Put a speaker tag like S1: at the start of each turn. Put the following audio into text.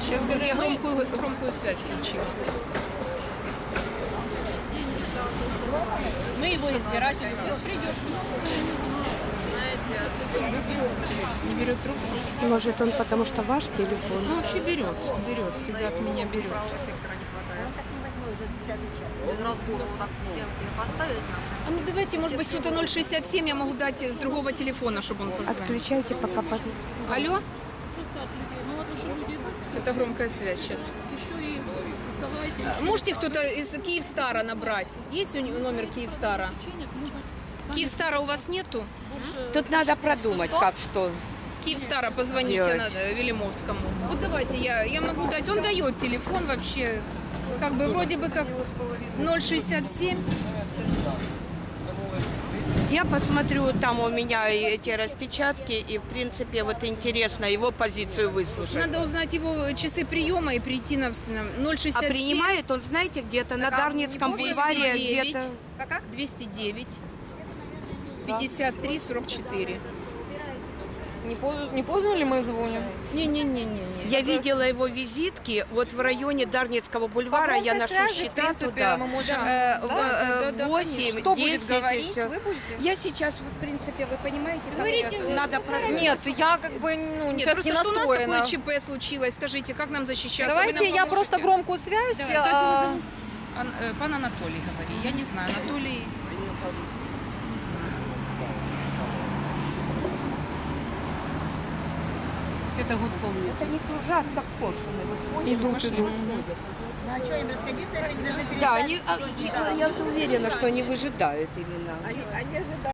S1: Сейчас бы я громкую связь включила.
S2: Мы его избиратели.
S1: Не берет трубку?
S3: Может, он потому что ваш телефон?
S1: Ну, вообще берет, всегда от меня берет.
S2: Без разбора вот так всемки поставить нам.
S1: А ну давайте, может быть, что-то 067 я могу дать с другого телефона, чтобы он позвонил.
S3: Отключайте, пока
S1: Алло? Это громкая связь сейчас. Можете кто-то из Киевстара набрать? Есть у него номер Киевстара? Киевстара у вас нету?
S3: Тут надо продумать, как что.
S1: Киевстара позвоните
S3: Делать.
S1: надо Велимовскому. Вот давайте, я могу дать. Он дает телефон вообще, как бы вроде бы как 067.
S3: Я посмотрю, там у меня эти распечатки, и, в принципе, вот интересно его позицию выслушать.
S1: Надо узнать его часы приема и прийти на 067.
S3: А принимает он, знаете, где-то на Дарницком бульваре,
S1: 209,
S3: где-то...
S1: 209 53 44.
S2: Не поздно ли мы звоним?
S1: Не-не-не-не.
S3: Я видела его визитки вот в районе Дарницкого бульвара, я ношу счета туда.
S2: Мы можем...
S1: Да,
S3: 8,
S2: Кто
S3: 10
S2: будет
S3: и
S2: говорить?
S3: всё.
S2: Вы будете?
S3: Я сейчас, вот, в принципе, вы понимаете, как
S1: Говорите,
S3: надо продумать.
S2: Нет, я как бы
S1: Нет,
S2: сейчас
S1: просто
S2: не
S1: что у нас
S2: настроена.
S1: такое ЧП случилось, скажите, как нам защищаться?
S2: Давайте
S1: Вы нам
S2: я
S1: поможете?
S2: просто громкую связь.
S1: Да, как его зовут? Пан Анатолий, говори. Я не знаю, Анатолий... Не знаю. Это год помню.
S3: Это не кружат, так кошины.
S2: Идут.
S4: Ну а что, им расходиться, если они должны перестать?
S3: Да, я уверена, что они выжидают именно.